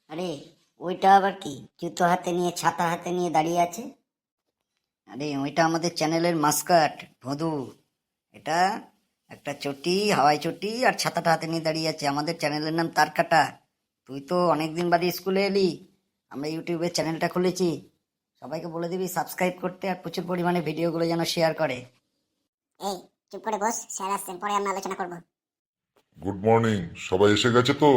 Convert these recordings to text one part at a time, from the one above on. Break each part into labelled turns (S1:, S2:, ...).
S1: আরে ওইটা আবার কি, জুতো হাতে নিয়ে ছাতা হাতে নিয়ে দাঁড়িয়ে আছে? আরে ওইটা আমাদের চ্যানেলের মাস্কাট ভদু। এটা একটা চটি, হাওয়াই চটি, আর ছাতাটা হাতে নিয়ে দাঁড়িয়ে আছে। আমাদের চ্যানেলের নাম তারকাটা। তুই তো অনেকদিন বাদে স্কুলে এলি, আমরা ইউটিউবে চ্যানেলটা খুলেছি। সবাইকে বলে দিবি সাবস্ক্রাইব করতে, আর প্রচুর পরিমাণে ভিডিওগুলো যেন শেয়ার করে।
S2: এই চুপ করে বস, স্যার আসছেন, পরে আমরা আলোচনা করব।
S3: Good morning. সবাই এসে গেছে তো?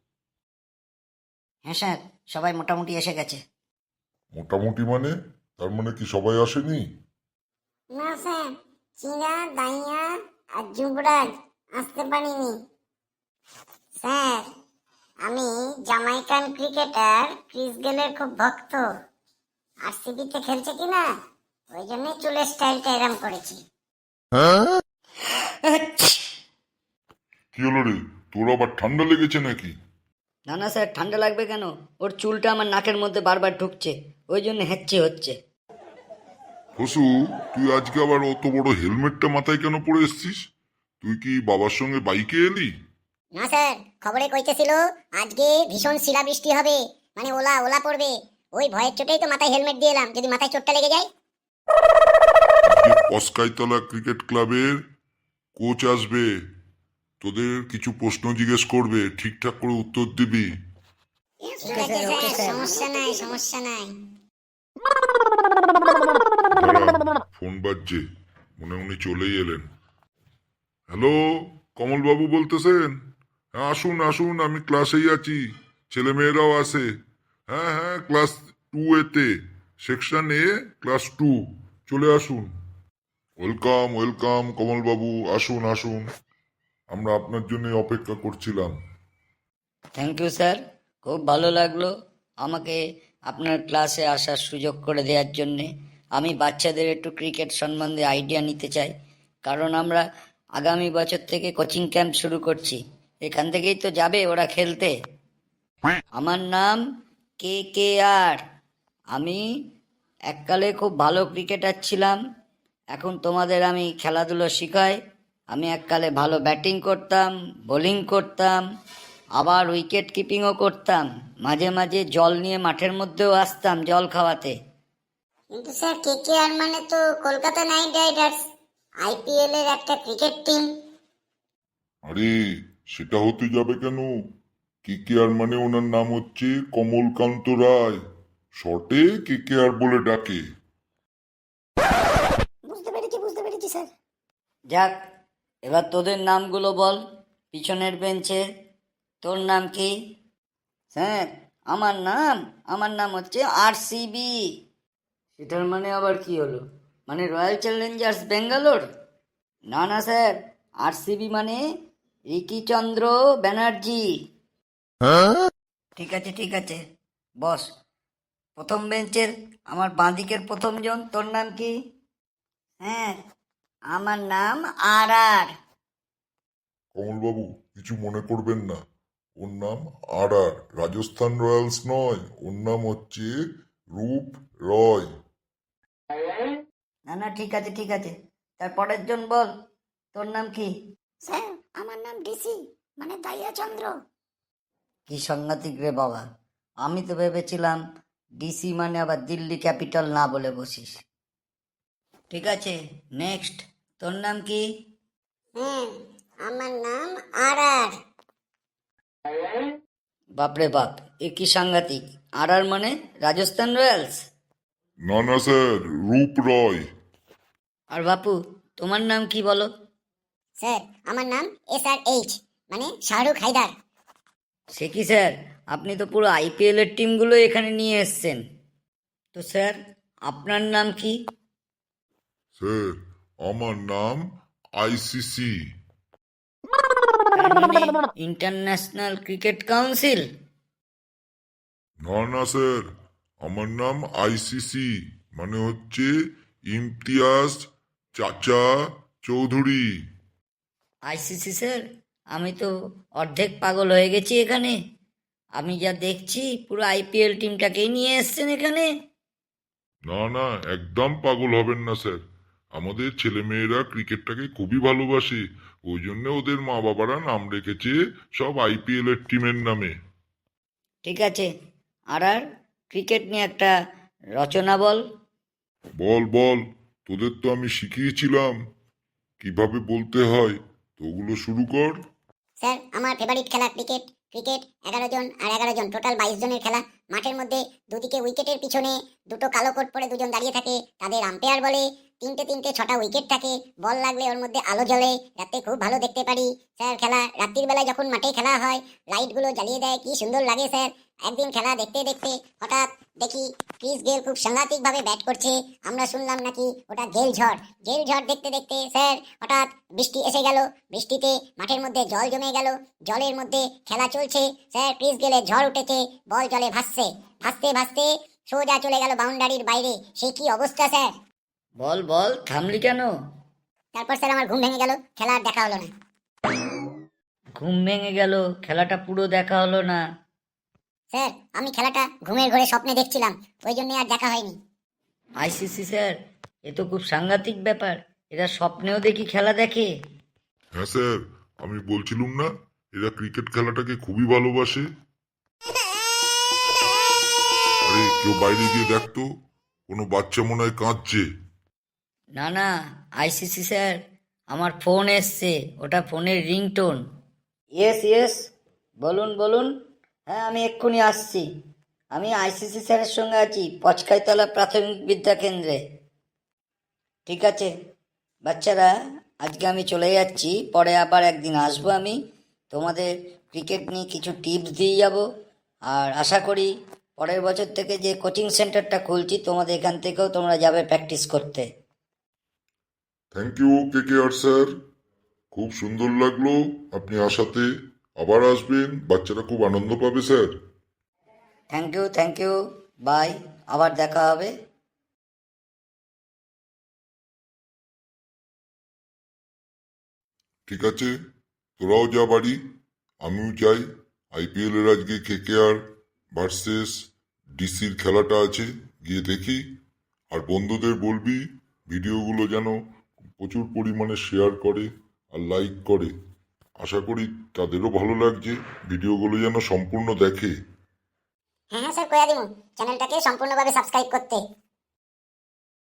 S1: হ্যাঁ স্যার, সবাই মোটামুটি এসে গেছে।
S3: মোটামুটি মানে? তার মানে কি সবাই আসেনি?
S2: না স্যার, চীনা, দাইয়া আর যুবরাজ আসতে পারিনি। স্যার, আমি জামাইকান ক্রিকেটার ক্রিস গেলের খুব ভক্ত। আরসিবিতে খেলছে কিনা, ওই জন্যই চুলের স্টাইলটা এরম করেছি।
S3: কি হলো রে, তোর আবার ঠান্ডা লেগেছে নাকি?
S1: না না স্যার, ঠান্ডা লাগবে কেন? ওর চুলটা আমার নাকের মধ্যে বারবার ঢুকছে, ওই জন্য হেঁচি হচ্ছে।
S3: হসু, তুই আজকে আবার অত বড় হেলমেটটা মাথায় কেন পরে এসছিস? তুই কি বাবার সঙ্গে বাইকে এলি?
S2: না স্যার, খবরে কইতেছিল আজকে ভীষণ শিলাবৃষ্টি হবে, মানে ওলা ওলা পড়বে। ওই ভয়ের চোটেই তো মাথায় হেলমেট দিয়ে এলাম, যদি মাথায় চোটটা লেগে যায়।
S3: আজকে কসকাইতলা ক্রিকেট ক্লাবের কোচ আসবে, তোদের কিছু প্রশ্ন জিজ্ঞেস করবে, ঠিকঠাক করে উত্তর দিবি।
S2: ঠিক আছে স্যার, সমস্যা নাই সমস্যা নাই।
S3: দাঁড়া, ফোন বাজছে, মনে উনি চলেই এলেন। হ্যালো, কমলবাবু বলতেছেন? হ্যাঁ, আসুন আসুন, আমি ক্লাসেই আছি, ছেলে মেয়েরাও আছে। হ্যাঁ হ্যাঁ, ক্লাস 2A-তে, সেকশন এ, ক্লাস 2, চলে আসুন। ওয়েলকাম ওয়েলকাম কমলবাবু, আসুন আসুন, আমরা আপনার জন্য অপেক্ষা করছিলাম।
S1: থ্যাংক ইউ স্যার, খুব ভালো লাগলো আমাকে আপনার ক্লাসে আসার সুযোগ করে দেওয়ার জন্যে। আমি বাচ্চাদের একটু ক্রিকেট সম্বন্ধে আইডিয়া নিতে চাই, কারণ আমরা আগামী বছর থেকে কোচিং ক্যাম্প শুরু করছি। এখান থেকেই তো যাবে ওরা খেলতে। আমার নাম KKR। আমি এককালে খুব ভালো ক্রিকেটার ছিলাম, এখন তোমাদের আমি খেলাধুলো শিখাই। আমি এককালে ভালো ব্যাটিং করতাম, বোলিং করতাম, আবার উইকেট কিপিংও করতাম। মাঝে মাঝে জল নিয়ে মাঠের মধ্যেও আসতাম জল খাওয়াতে।
S2: কিন্তু স্যার, কেকেআর মানে তো কলকাতা নাইট রাইডার্স, আইপিএল এর একটা ক্রিকেট টিম।
S3: আরে, সেটা হতে যাবে কেন? কেকেআর মানে ওনার নাম হচ্ছে কমলকান্ত রায়, শর্টে কেকেআর বলে ডাকে।
S2: বুঝতে পেরেছি স্যার।
S1: যাক, এবার তোদের নামগুলো বল। পিছনের বেঞ্চে তোর নাম কি? স্যার, আমার নাম হচ্ছে RCB। সেটার মানে আবার কি হলো? মানে রয়্যাল চ্যালেঞ্জার্স ব্যাঙ্গালোর? না না স্যার, RCB মানে রিকিচন্দ্র ব্যানার্জি। ঠিক আছে ঠিক আছে, বস। প্রথম বেঞ্চের আমার বাঁদিকের প্রথমজন, তোর নাম কি? হ্যাঁ, আমার নাম RR।
S3: কমলবাবু, কিছু মনে করবেন না, ওর নাম আর রাজস্থান রয়্যালস নয়, ওর নাম হচ্ছে রূপ রয়।
S1: না না, ঠিক আছে ঠিক আছে, তারপরের জন বল, তোর নাম কি?
S2: স্যার, আমার নাম ডিসি, মানে দাইয়া চন্দ্র।
S1: কি সাংঘাতিক রে বাবা, আমি তো ভেবেছিলাম DC মানে আবার দিল্লি ক্যাপিটাল না বলে বসিস। ঠিক আছে, নেক্সট, তোর নাম কি?
S2: হ্যাঁ, আমার নাম আর আর।
S1: বাপরে বাপ, এ কি সাংঘাতিক! RR মানে রাজস্থান রয়্যালস?
S3: না না স্যার, রূপ রয়।
S1: আর বাপু, তোমার নাম কি বলো?
S2: স্যার, আমার নাম SRH, মানে শাহরুখ হায়দার।
S1: সে কি স্যার, আপনি তো পুরো IPL এর টিমগুলো এখানে নিয়ে এসছেন। তো স্যার, আপনার নাম কি?
S3: স্যার, আমার নাম ICC।
S1: তার মানে ইন্টারন্যাশনাল ক্রিকেট কাউন্সিল?
S3: না না স্যার, আমার নাম ICC, মানে হচ্ছে ইমতিয়াজ চাচা চৌধুরী।
S1: ICC স্যার, আমি তো অর্ধেক পাগল হয়ে গেছি এখানে। আমি যা দেখছি পুরো IPL টিমটাকেই নিয়ে এসছেন এখানে।
S3: না না, একদম পাগল হবেন না স্যার, আমাদের ছেলেমেয়েরা ক্রিকেটটাকে খুবই ভালোবাসে, ওই জন্য ওদের মা বাবারা নাম রেখেছে সব IPL এর টিমের নামে।
S1: ঠিক আছে, আর ক্রিকেট নিয়ে একটা রচনা বল।
S3: বল বল, তোদের তো আমি শিখিয়েছিলাম কিভাবে বলতে হয়, তো ওগুলো শুরু কর।
S2: স্যার আমার ফেভারিট খেলা ক্রিকেট। ক্রিকেট 11 জন আর 11 জন, টোটাল 22 জনের খেলা। মাঠের মধ্যে দুদিকে উইকেটের পিছনে দুটো কালো কোট পরে দুজন দাঁড়িয়ে থাকে, তাদের আম্পায়ার বলে। তিনটে তিনটে 6টা উইকেট থাকে, বল লাগলে ওর মধ্যে আলো জ্বলে, রাতে খুব ভালো দেখতে পারি। স্যার খেলা রাত্রির বেলায় যখন মাঠে খেলা হয়, লাইটগুলো জ্বালিয়ে দেয়, কি সুন্দর লাগে স্যার। একদিন খেলা দেখতে দেখতে হঠাৎ দেখি ক্রিস গেল খুব সাংঘাতিক ভাবে ব্যাট করছে। আমরা শুনলাম নাকি ওটা গেল ঝড়। গেল ঝড় দেখতে দেখতে স্যার হঠাৎ বৃষ্টি এসে গেল। বৃষ্টিতে মাঠের মধ্যে জল জমে গেল। জলের মধ্যে খেলা চলছে। স্যার ক্রিস গেলে ঝড় উঠেছে, বল জলে ভাসছে। ভাসতে ভাসতে সোজা চলে গেল বাউন্ডারির বাইরে। সে কি অবস্থা স্যার।
S1: বল বল, থামলি কেন?
S2: তারপর স্যার আমার ঘুম ভেঙে গেল, খেলা আর দেখা হলো না।
S1: ঘুম ভেঙে গেল, খেলাটা পুরো দেখা হলো না?
S2: স্যার আমি খেলাটা ঘুমের ঘরে স্বপ্নে দেখছিলাম, ওই জন্য আর দেখা হয়নি।
S1: আইসিসি স্যার, এ তো খুব সাংঘাতিক ব্যাপার, এরা স্বপ্নেও দেখি খেলা দেখে।
S3: হ্যাঁ স্যার, আমি বলছিলুম না এরা ক্রিকেট খেলাটাকে খুবই ভালোবাসে। আরে কেউ বাইরে গিয়ে দেখতো, কোনো বাচ্চা মনে হয় কাঁদছে।
S1: না না, আইসিসি স্যার, আমার ফোন এসছে, ওটা ফোনের রিংটোন। ইয়েস ইয়েস, বলুন বলুন। হ্যাঁ আমি এক্ষুনি আসছি। আমি আইসিসি স্যারের সঙ্গে আছি পচকাইতলা প্রাথমিক বিদ্যা কেন্দ্রে। ঠিক আছে বাচ্চারা, আজকে আমি চলে যাচ্ছি, পরে আবার একদিন আসবো আমি, তোমাদের ক্রিকেট নিয়ে কিছু টিপস দিয়ে যাব। আর আশা করি পরের বছর থেকে যে কোচিং সেন্টারটা খুলছি, তোমাদের এখান থেকেও তোমরা যাবে প্র্যাকটিস করতে।
S3: থ্যাংক ইউ KKR স্যার, খুব সুন্দর লাগলো আপনি আসাতে। আবার আসবেন, বাচ্চারা খুব আনন্দ পাবে স্যার।
S1: থ্যাংক ইউ, বাই, আবার দেখা হবে।
S3: ঠিক আছে, তোরাও যা বাড়ি, আমিও যাই। IPL এর আজকে KKR ভার্সেস ডিসির খেলাটা আছে, গিয়ে দেখি। আর বন্ধুদের বলবি ভিডিওগুলো যেন প্রচুর পরিমাণে শেয়ার করে আর লাইক করে। আশা করি তাদেরও ভালো লাগছে, ভিডিওগুলো যেন সম্পূর্ণ দেখে।
S2: হ্যাঁ হ্যাঁ স্যার, কইয়া দিমু চ্যানেলটাকে সম্পূর্ণভাবে সাবস্ক্রাইব করতে।